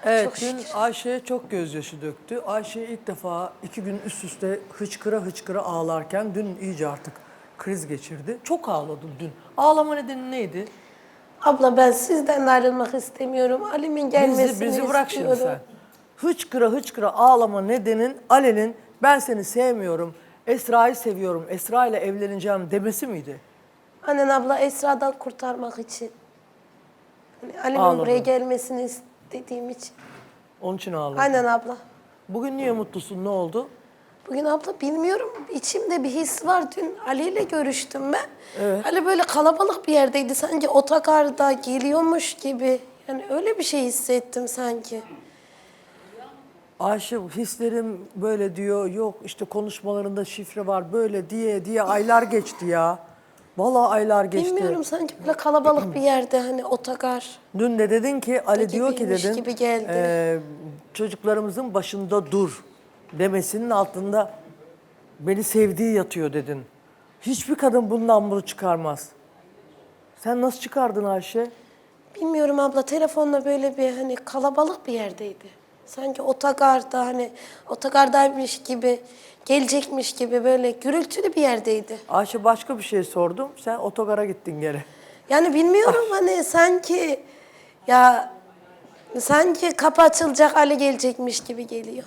Evet, Çok dün şükür. Ayşe çok gözyaşı döktü. Ayşe ilk defa 2 gün üst üste hıçkıra hıçkıra ağlarken dün iyice artık kriz geçirdi. Çok ağladın dün. Ağlama nedeni neydi? Abla ben sizden ayrılmak istemiyorum. Ali'min gelmesini Bizi bırak şimdi istiyorum. sen. Hıçkıra hıçkıra ağlama nedenin Ali'nin ben seni sevmiyorum, Esra'yı seviyorum, Esra ile evleneceğim demesi miydi? Annen abla Esra'dan kurtarmak için. Hani Ali'min buraya Ağladın. gelmesini istediğim için. Onun için ağladın. Aynen abla. Bugün niye mutlusun, ne oldu? Bugün abla bilmiyorum içimde bir his var. Dün Ali ile görüştüm ben. Ali böyle kalabalık bir yerdeydi. Sanki otogarda geliyormuş gibi. Yani öyle bir şey hissettim sanki. Ayşe hislerim böyle diyor, yok işte konuşmalarında şifre var böyle diye aylar geçti ya. Vallahi aylar geçti. Bilmiyorum sanki böyle kalabalık bir yerde hani otogar. Dün de dedin ki Ali diyor ki Gibiymiş dedin gibi geldi. Çocuklarımızın başında dur demesinin altında beni sevdiği yatıyor dedin. Hiçbir kadın bundan bunu çıkarmaz. Sen nasıl çıkardın Ayşe? Bilmiyorum abla telefonla böyle bir hani kalabalık bir yerdeydi. Sanki otogarda hani otogardaymış gibi gelecekmiş gibi böyle gürültülü bir yerdeydi. Ayşe başka bir şey sordum. Sen otogara gittin gene. Yani bilmiyorum hani sanki ya sanki kapı açılacak Ali gelecekmiş gibi geliyor.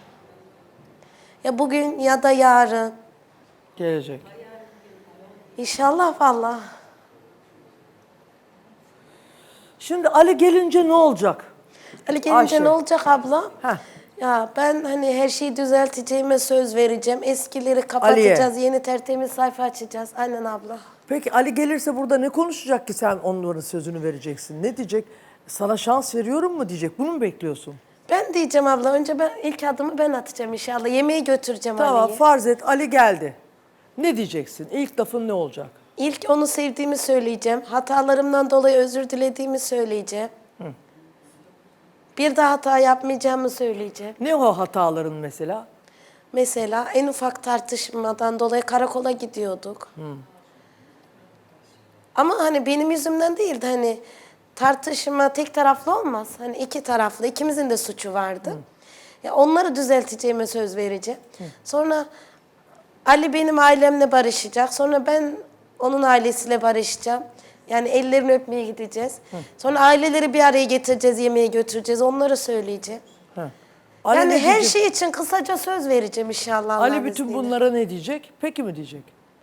Ya bugün ya da yarın. Gelecek. İnşallah vallahi. Şimdi Ali gelince ne olacak? Ali gelince Ayşe. ne olacak abla? Heh. Ya ben hani her şeyi düzelteceğime söz vereceğim. Eskileri kapatacağız, Ali'ye. yeni tertemiz sayfa açacağız. Aynen abla. Peki Ali gelirse burada ne konuşacak ki sen onların sözünü vereceksin? Ne diyecek? Sana şans veriyorum mu diyecek? Bunu mu bekliyorsun? Ben diyeceğim abla, önce ben ilk adımı ben atacağım inşallah. Yemeği götüreceğim Tamam Ali'ye. farz et Ali geldi. Ne diyeceksin? İlk lafın ne olacak? İlk onu sevdiğimi söyleyeceğim. Hatalarımdan dolayı özür dilediğimi söyleyeceğim. Bir daha hata yapmayacağımı söyleyeceğim. Ne o hataların mesela? Mesela en ufak tartışmadan dolayı karakola gidiyorduk. Ama hani benim yüzümden değildi hani tartışma tek taraflı olmaz. Hani iki taraflı, ikimizin de suçu vardı. Ya onları düzelteceğime söz vereceğim. Sonra Ali benim ailemle barışacak. Sonra ben onun ailesiyle barışacağım. Yani ellerini öpmeye gideceğiz. Sonra aileleri bir araya getireceğiz, yemeğe götüreceğiz. Onları söyleyeceğim. Ali Yani ne her diyecek? şey için kısaca söz vereceğim inşallah Ali Allah'ın bütün izniyle. bunlara ne diyecek? Peki mi diyecek?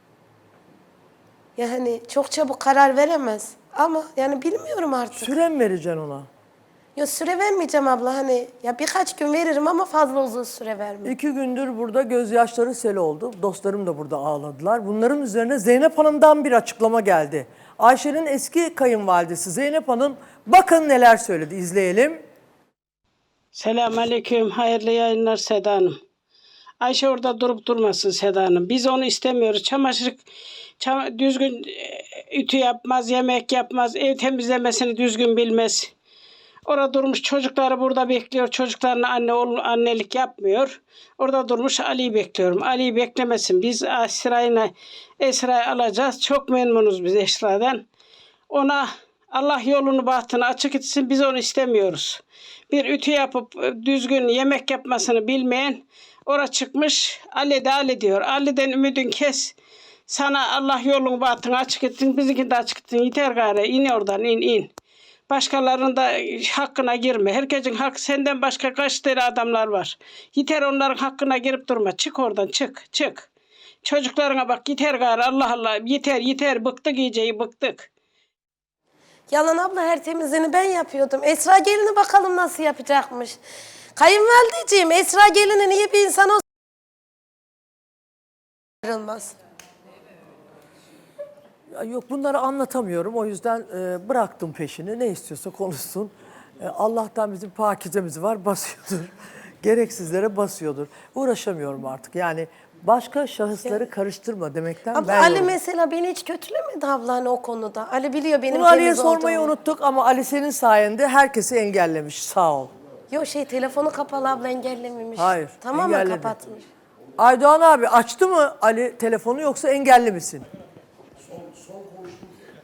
Yani çok çabuk karar veremez. Ama yani bilmiyorum artık. Süre mi vereceksin ona? Ya süre vermeyeceğim abla hani ya birkaç gün veririm ama fazla uzun süre vermem. 2 gündür burada gözyaşları sel oldu. Dostlarım da burada ağladılar. Bunların üzerine Zeynep Hanım'dan bir açıklama geldi. Ayşe'nin eski kayınvalidesi Zeynep Hanım bakın neler söyledi. İzleyelim. Selamünaleyküm. Hayırlı yayınlar Seda Hanım. Ayşe orada durup durmasın Seda Hanım. Biz onu istemiyoruz. Düzgün ütü yapmaz, yemek yapmaz, ev temizlemesini düzgün bilmez. Orada durmuş çocukları burada bekliyor. Çocuklarına annelik yapmıyor. Orada durmuş Ali'yi bekliyorum. Ali'yi beklemesin. Biz Esra'yı alacağız. Çok memnunuz biz Esra'dan. Ona Allah yolunu bahtını açık etsin. Biz onu istemiyoruz. Bir ütü yapıp düzgün yemek yapmasını bilmeyen ora çıkmış Ali diyor. Ali'den ümidin kes. Sana Allah yolunu bahtını açık etsin. Bizimkini de açık etsin. Yeter gari. İn oradan in. Başkalarının da hakkına girme. Herkesin hakkı senden başka kaç tane adamlar var. Yeter onların hakkına girip durma. Çık oradan çık. Çocuklarına bak yeter gari Allah Allah. Yeter bıktık iyice bıktık. Yalan abla her temizliğini ben yapıyordum. Esra gelini bakalım nasıl yapacakmış. Kayınvalideciğim Esra gelinin iyi bir insan olsa ayrılmaz. Ya yok bunları anlatamıyorum. O yüzden bıraktım peşini. Ne istiyorsa konuşsun. Allah'tan bizim pakizemiz var. Basıyordur. Gereksizlere basıyordur. Uğraşamıyorum artık. Yani başka şahısları karıştırma demekten Abla ben Ali yoruldum. mesela beni hiç kötülemedi abla hani o konuda. Ali biliyor benim Bunu Ali'ye temiz sormayı olduğumu. unuttuk ama Ali senin sayende herkesi engellemiş. Sağ ol. Yok telefonu kapalı abla engellememiş. Hayır, Tamamen engelledi. kapatmış. Aydoğan abi açtı mı Ali telefonu yoksa engelli misin?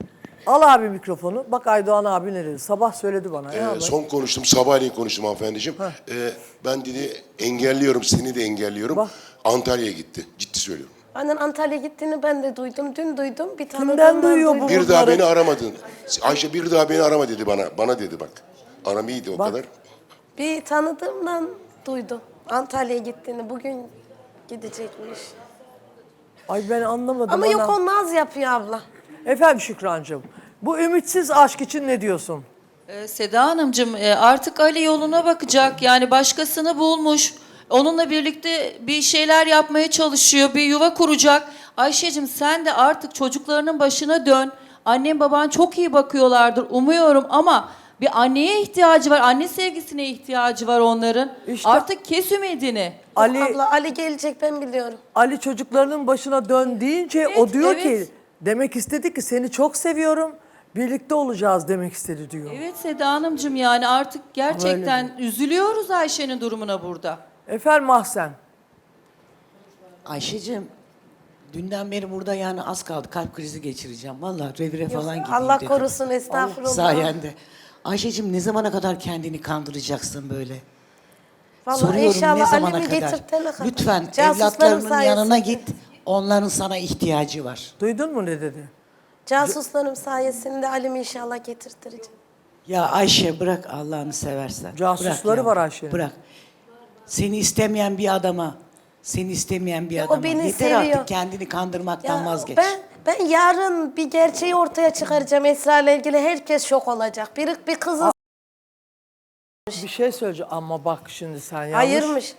Al abi mikrofonu. Bak Aydoğan abi ne dedi? Sabah söyledi bana. Ya, Son konuştum, sabahleyin konuştum hanımefendiciğim. Ben dedi engelliyorum, seni de engelliyorum. Bak. Antalya'ya gitti. Ciddi söylüyorum. Annen Antalya'ya gittiğini ben de duydum. Dün duydum. Bir tane Kimden duyuyor bu? Bir daha beni aramadın. Ayşe bir daha beni arama dedi bana. Bana dedi bak. Aram iyiydi o Bak. kadar. Bir tanıdığımdan duydum. Antalya'ya gittiğini. Bugün gidecekmiş. Ay ben anlamadım. Ama yok ana. o naz yapıyor abla. Efendim Şükrancığım. Bu ümitsiz aşk için ne diyorsun? Seda Hanımcığım artık Ali yoluna bakacak. Yani başkasını bulmuş. Onunla birlikte bir şeyler yapmaya çalışıyor. Bir yuva kuracak. Ayşe'cim sen de artık çocuklarının başına dön. Annen baban çok iyi bakıyorlardır umuyorum ama bir anneye ihtiyacı var. Anne sevgisine ihtiyacı var onların. İşte- Artık kes ümidini. Ali Abla Ali gelecek ben biliyorum. Ali çocuklarının başına dön deyince o Evet, diyor evet. ki demek istedi ki seni çok seviyorum. Birlikte olacağız demek istedi diyor. Evet Seda Hanımcığım yani artık gerçekten üzülüyoruz Ayşe'nin durumuna burada. Efendim Mahsen. Ayşe'cim dünden beri burada yani az kaldı kalp krizi geçireceğim. Vallahi revire falan gideyim Allah dedim. korusun estağfurullah. Sayende. Ayşe'cim ne zamana kadar kendini kandıracaksın böyle? Vallahi Soruyorum ne inşallah zamana Ali'mi kadar? getirtene kadar. Lütfen Casuslarım evlatlarının sayesinde. yanına git. Onların sana ihtiyacı var. Duydun mu ne dedi? Casuslarım sayesinde Ali'mi inşallah getirtireceğim. Ya Ayşe bırak Allah'ını seversen. Casusları Bırak var yavrum, Ayşe'nin. Bırak. Seni istemeyen bir adama, seni istemeyen bir adama. beni Yeter seviyor. artık kendini kandırmaktan vazgeç. Ben yarın bir gerçeği ortaya çıkaracağım Esra ile ilgili. Herkes şok olacak. Bir kızın Bir şey söyleyeceğim ama bak şimdi sen yanlış. ayırmış.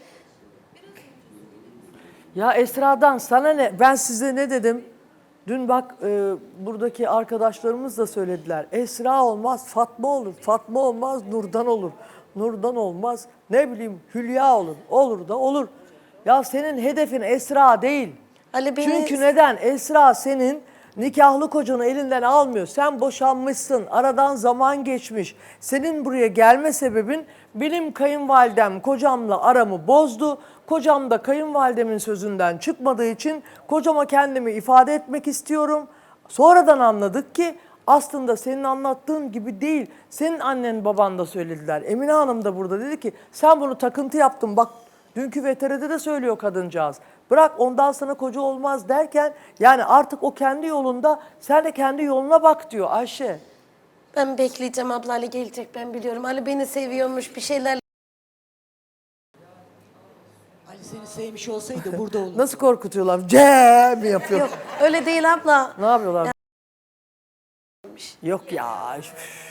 Ya Esra'dan sana ne? Ben size ne dedim? Dün bak buradaki arkadaşlarımız da söylediler. Esra olmaz Fatma olur. Fatma olmaz Nurdan olur. Nurdan olmaz ne bileyim Hülya olur. Olur da olur. Ya senin hedefin Esra değil. Ali beni... Çünkü neden? Esra senin nikahlı kocanı elinden almıyor. Sen boşanmışsın. Aradan zaman geçmiş. Senin buraya gelme sebebin benim kayınvalidem kocamla aramı bozdu. Kocam da kayınvalidemin sözünden çıkmadığı için kocama kendimi ifade etmek istiyorum. Sonradan anladık ki aslında senin anlattığın gibi değil. Senin annen baban da söylediler. Emine Hanım da burada dedi ki sen bunu takıntı yaptın. Bak dünkü VTR'de de söylüyor kadıncağız. Bırak ondan sana koca olmaz derken yani artık o kendi yolunda sen de kendi yoluna bak diyor Ayşe. Ben bekleyeceğim abla Ali gelecek ben biliyorum. Ali beni seviyormuş bir şeyler. Ali seni sevmiş olsaydı burada olurdu. Nasıl korkutuyorlar? Mi yapıyor? Yok öyle değil abla. Ne yapıyorlar? Yok ya. Üf.